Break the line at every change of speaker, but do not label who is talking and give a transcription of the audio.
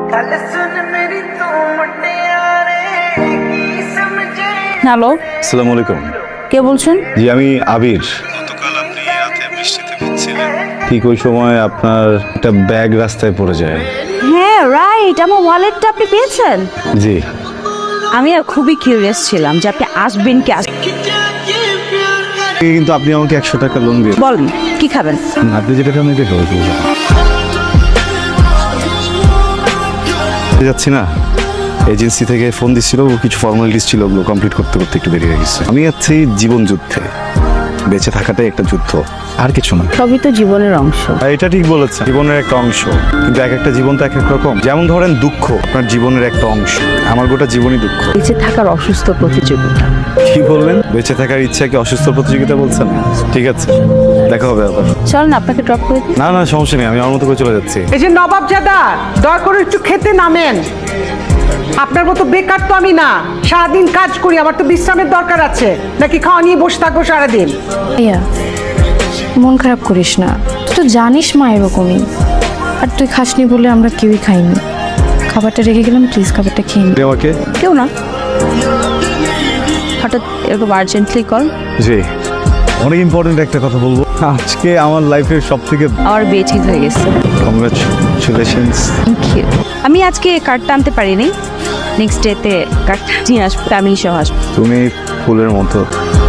Hello,
আসসালামু আলাইকুম।
কে বলছেন?
জি, আমি আবির। গতকাল আপনি রাতে বৃষ্টিতে ভিজছিলেন, ঠিক ওই সময় আপনার একটা ব্যাগ রাস্তায় পড়ে যায়।
হ্যাঁ রাইট, আমার ওয়ালেটটা আপনি পেয়েছেন?
জি।
আমি আর খুবই কিউরিয়াস ছিলাম যে আপনি আসবেন কি
কিন্তু আপনি আমাকে 100 টাকা লোন দিয়ে
বলেন কি খাবেন?
আপনি যেটা খাবেন এটা খাবো। যাচ্ছি না, এজেন্সি থেকে ফোন দিচ্ছিল, কিছু ফর্মালিটিস ছিল, ওগুলো কমপ্লিট করতে করতে একটু দেরি হয়ে গেছে। আমি আছি জীবন যুদ্ধে, বেঁচে থাকাটাই একটা যুদ্ধ, আর কিছু না।
সবই তো জীবনের অংশ।
এটা ঠিক বলেছেন, জীবনের একটা অংশ, কিন্তু এক একটা জীবন তো এক এক রকম। যেমন ধরেন দুঃখ আপনার জীবনের একটা অংশ, আমার গোটা জীবনই দুঃখ।
বেঁচে থাকার অসুস্থ প্রতিযোগিতা।
কি বললেন? বেঁচে থাকার ইচ্ছাকে অসুস্থ প্রতিযোগিতা বলছেন? ঠিক আছে, দেখা হবে আবার।
চলেন আপনাকে ড্রপ করে দিই।
না না, সমস্যা নেই, আমি আমার মতো করে চলে যাচ্ছি।
এই যে নবাবজাদা, দয়া করে একটু খেতে নামেন। আপনার মতো বেকার তো আমি না, সারাদিন কাজ করি, আমার তো বিশ্রামের দরকার আছে। নাকি খাওয়া নিয়ে বসে থাকবো সারাদিন?
ভাইয়া মন খারাপ করিস না, তুই তো জানিস মা এরকমই। আর তুই খাসনি বলে আমরা কেউই খাইনি। খাবারটা রেখে গেলাম, প্লিজ খাবারটা খেয়ে নি।
আমাকে
কেউ না, হঠাৎ এরকম আর্জেন্টলি কল।
জি, অনেক ইম্পর্টেন্ট একটা কথা বলবো। আজকে আমার লাইফের সব থেকে
আমার বিয়ে ঠিক হয়ে গেছে।
কংগ্রাচুলেশনস।
Thank you. আমি আজকে কার্ডটা আনতে পারিনি, নেক্সট ডেতে কার্ডটা নিয়ে আসবো, ফ্যামিলি সহ আসবো।
তুমি ফুলের মতো।